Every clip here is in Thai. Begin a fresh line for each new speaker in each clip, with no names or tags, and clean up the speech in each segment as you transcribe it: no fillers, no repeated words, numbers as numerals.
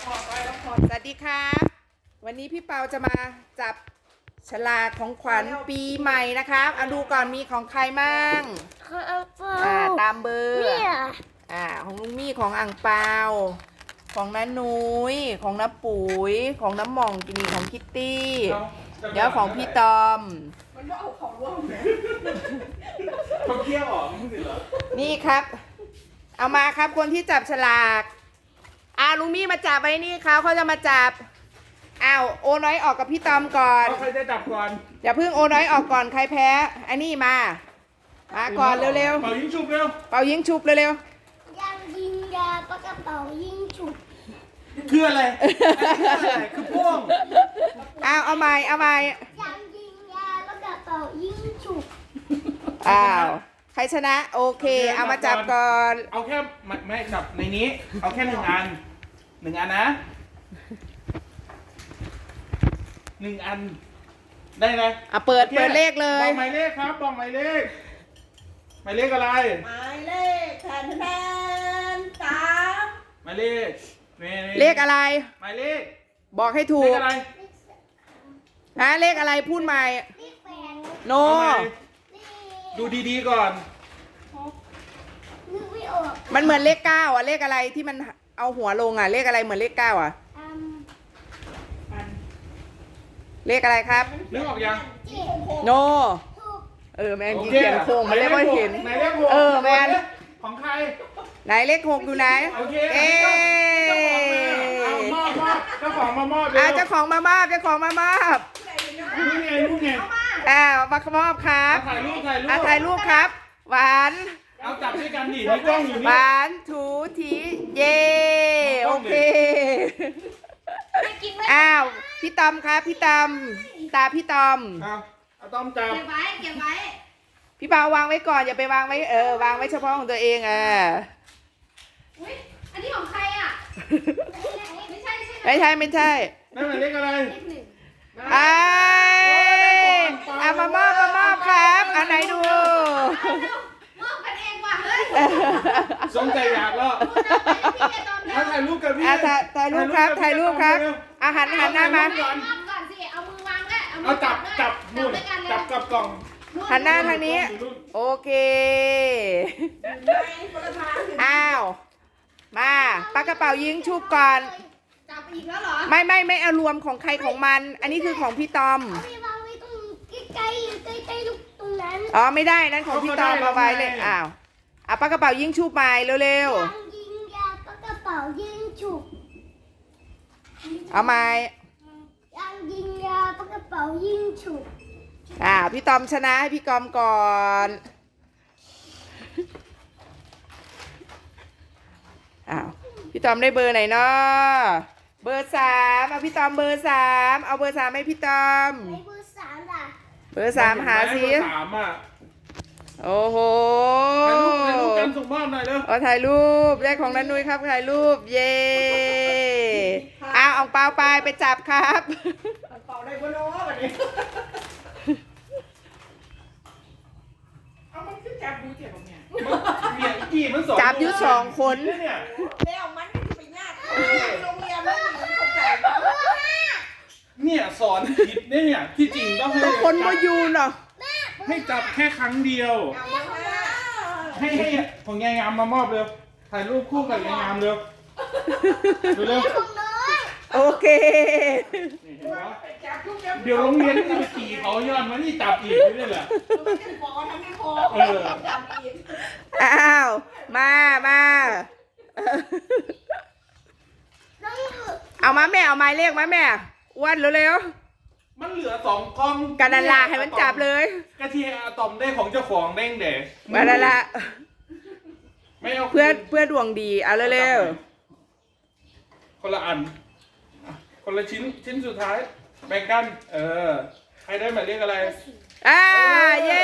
สวัสดีครับวันนี้พี่เปาจะมาจับฉลากของขวัญปีใหม่นะครับเอาดูก่อนมีของใครมั่งตามเบอร์ของลุงมี่ของอ่างเปาของน้านุ้ยของน้าปุ๋ยของน้ำหม่องกินีของคิตตี้เดี๋ยวของพี่ตอม
มันว่าเอาของร่วมเนี่ยเขาเคี่ยวออกนี่เหรอ
นี่ครับเอามาครับคนที่จับฉลากลุงมี่มาจับไว้นี่เขาจะมาจับโอน้อยออกกับพี่ตอมก่อน
ใครจะจับก่อน
อย่าเพิ่งโอน้อยออกก่อนใครแพ้อันนี้มาก่อนเร็ว
ๆเป่ายิงฉุบเร็ว
เป่ายิงฉุบเร็ว
ยังยิงยาปากกระเป๋ายิงฉุบ
คืออะไรคือพ่วง
เอาใหม่
ยังยิงยาปากกระเป๋ายิงฉุบ
ใครชนะโอเคเอามาจับก่อน
เอาแค่ไม่จับในนี้เอาแค่1 อันนะ1 อันได้ไหม
เปิดเลขเลย
บอกหมายเลขครับบอกหมายเลขหมายเลขอะไร
หมายเลข3
หมายเลข
เลขอะไร
หมายเลข
บอกให้ถูก
เลขอะไร
เลขอะไรพูดใหม่โน
ดูดีๆก่อน
นึกไม่ออก
มันเหมือนเลข9เลขอะไรที่มันเอาหัวลงเลขอะไรเหมือนเลข9เลขอะไรครับ
นึกออกยัง
โนแมนเขียนโค้งมาเรียกว่าเห็นแมน
ของใคร
ไหนเลข6อยู่ไหน
โอเคมอบเจ้าของมามอบ
เจ้าของมามอบ
นู่นไง
มามอบครับ
ถ่าย
รูปครับหวาน
เอาจับด้วยกันดิในกล้องอยู่นี่
หวานถูถีเย่โอเคพี่ตอมครับพี่ตอมตาพี่ตอม
เอาต้อมจับ
เก็บไว้
พี่เปาวางไว้ก่อนอย่าไปวางไว้วางไว้เฉพาะของตัวเอง
อุ๊ยอันนี้ของใครไม่ใช่
นั่นหม
ายเลขอะไร
มามอบครับไหนดู
มอบกันเองว่ะเฮ้ย
สมใจอยากแล้วถ่ายรูปกับพี่
ถ่ายรูปครับหันหน้ามา
ก่อนสิเอามือวางแล้ว
เอาจับนู่นจับกับกล่อง
หันหน้าทางนี้โอเคมาปากกระเป๋ายิงชุบก่อน
จับอีกแล้วเหรอ
ไม่เอารวมของใครของมันอันนี้คือของพี่ตอม
วางไว้ตรงใกล้ลูกตรงนั้น
ไม่ได้นั่นของพี่ตอมเอาไว้เลยปากกระเป๋ายิงชุบไปเร็ว
ยังยิงยาปากกระเป๋ายิงฉุบ
เอาไหม
ยังยิงยาปากกระเป๋ายิงฉุบ
พี่ตอมชนะให้พี่กอมก่อนพี่ตอมได้เบอร์ไหนเนาะเบอร์3เอาพี่ตอมเบอร์3เอาเบอร์3ให้พี่ตอม
เบอร์3
เบอร์3หาสิโอ้โห
ถ่ายรูปกันส่งมอบหน่อยเร็ว
ถ่ายรูปได้ของนันนุ้ยครับถ่ายรูปเย่เอาเปล่าไปจับครับ
เป่าได้บนโน้ตแบบนี้เอามันขึ้นจับดูเจ็บตรงเนี้ย
มัน
จับอยู่2 คน
แล้วมันไปยากโรงเรียนไม่เข้าใจ
เนี่ยสอนผิดเนี่ยที่จริงต้องให้
คนมาอยู่เนาะ
ให้จับแค่ครั้งเดียวให้ของยายงามมามอบเร็วถ่ายรูปคู่กับยายงามเร็ว
โอเค
เดี๋ยวโรงเรียนจะไปขี่เขาย้อนมานี่จับอีกนี่แหละ
มาเอามาแม่เอาไม้เลขมาแม่อ้วนเร็ว
มันเหลือ2 กล่อง
กันนันลาให้มันจับเลย
กะทิอะตอมได้ของเจ้าของเด้งเด็ก
มาแล้วละ
ไม่เอา
เพื่อดวงดีเอาเร็ว
คนละอันคนละชิ้นสุดท้ายแบ่งกันใครได้หมายเลขอะไร
เย้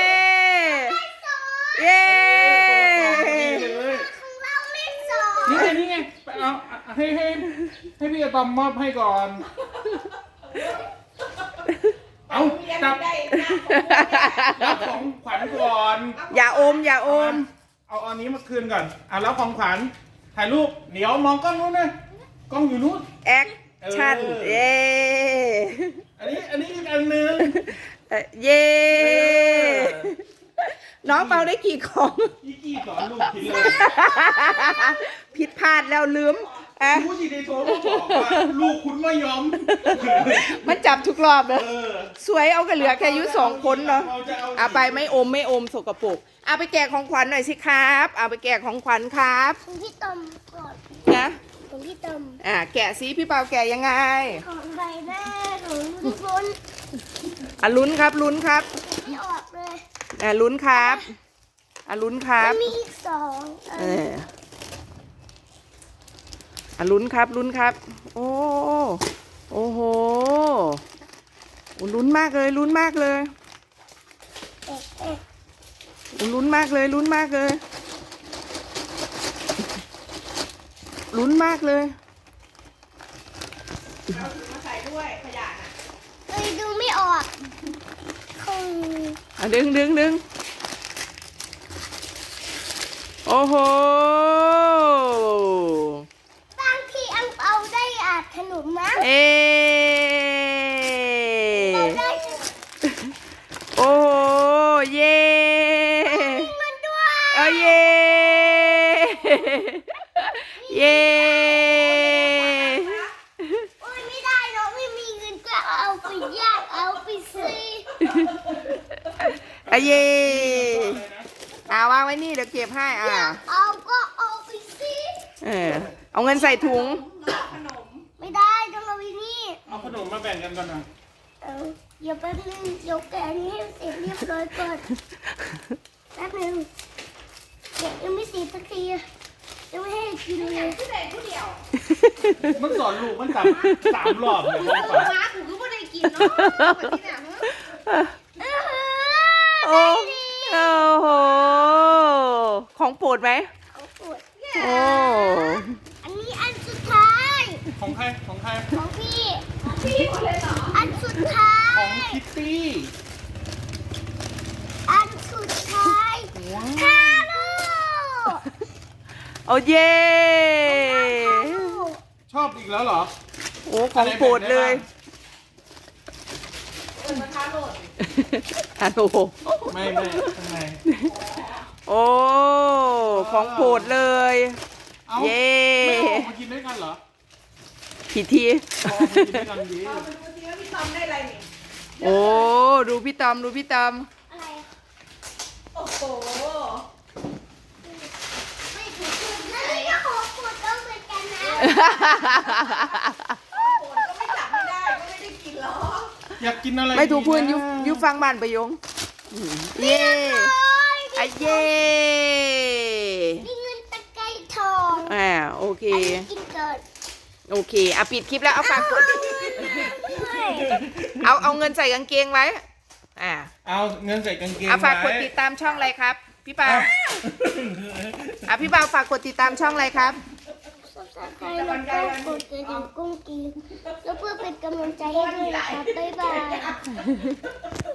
ของเราเลข2
นี่ไงเอาให้พี่อะตอมมอบให้ก่อนเอาจับรับของขวัญก่อน
อย่าอม
เอาอันนี้มาคืนก่อนรับของขวัญถ่ายรูปเดี๋ยวมองกล้องนู้นนะกล้องอยู่นู้น
แอคชั่น เย้
อันนี้อีกอันหนึง
เย้ น้องเปาได้กี่ของ
พี่กี้สอนลูกกินเลย
ผิดพลาดแล้วลืมอ่ะ
รู้สิในโทรมาบอกว่าลูกคุณไม่ยอม
มันจับทุกรอบเลย
เออ
สวยเอากันเหลือแค่อายุ2 คนเนาะ
เราจะเอา
เอาไปไม่อมสกปรกเอาไปแกะของขวัญหน่อยสิครับ เอาไปแกะของขวัญครับ
ของพี่ตอมก่อน
นะ
ของพี่ตอม
แกะซิพี่เปาแกะยังไง
ของใบหน้าของทุกคน
ลุ้นครับลุ้นครับ
ไม่ออกเลย
ลุ้นครับลุ้นครับ
มันมีอีก2
เออลุ้นครับลุ้นครับ โอ้โหลุ้นมากเลยลุ้นมากเลย
เอ๊ะเอ๊ะ
ลุ้นมากเลยลุ้นมากเลยลุ้นมากเลยมาใส่ด้วยขยะน่ะ
เอ้ยดูไม่ออกคง
ดึงโอ้โห
บางทีอังเปาได้ขนมนะ
เอ
เอาได้
โอ้โหเย่
เงินด้วย
เย่เย่
โอ้ยไม่ได้เนาะไม่มีเงินก็เอาไปยากเอาไปซื้อ
เย่วางไว้นี่เดี๋ยวเก็บให้
เอาก็เอาไปซื้อ
เอาเงินใส่ถุง
ไม่ได้ต้องเอาไปนี่
เอาขนมมาแบ่งกันก่อนนะ
เดี๋ยวแป๊บนึงเดี๋ยวแกะอันนี้ให้เสร็จเรียบร้อยก่อนแป๊บนึงแกะยังไม่เสร็จสักทียังไม่ให้กินเลย
ผู้ใดผู้เดียว
มันสอนลูกมัน3 รอบเลย
โอ้
ของขวัญ
มากูก็ไม่ได้กินเนาะแบบนี้เนี่ยฮะ
โอ้โหของโปรดไหม
เอาปวด
โอ้
อันนี้อันสุดท้าย
ของใคร
ของพี่
พี่หมดเลยเหรอ
อันสุดท้า
ขอย งคิตตี้
อันสุดท้ายทาโร่
โอ้เย่
ชอบอีกแล้วเหรอ
โอ้ของโปรดเลยฮัลโหล
ไม่ข้างใน
โอ้ของโปรดเลย
เอ้า
เย่
ไม่เอาออกมากินด้วยกันเหรอ
ผิดที
เอาออกมากินด้วยกันดี
เอาไปดูสิว่าพี่ตอมได้อะไรนี่
โอ้ดูพี่ตอมดูพี่ตอม
อะไร
โอ้โห
ไม่ถูกแล้วนี่ก็ของปวดก็เหมือนกันนะ
โอ้โหก็ไม่จับไม่ได้ก็ไม่ได้กินหรอก
อยากกินอะไร
ไม่ถูกพูด
ดีนะ
ยุฟังบ้านประยงเย่เย่
นี่เงินตะไคร้ทอง
โอเค
อันนี้กินก่อน
โอเคปิดคลิปแล้วเอาฝากกด
ด้วย
เอาเงินใส่กางเกงไว้
เอาเงินใส่กางเกง
ฝากกด
ไว้
ติดตามช่องอะไรครับ พี่ปา
อ้าว
พี่ปาฝากกดติดตามช่องอะไรครับ
ใครแล้วก็กดกระดิ่งกุ้งกินแล้วเพื่อเป็นกำลังใจให้ด้วยนะครับบ๊ายบาย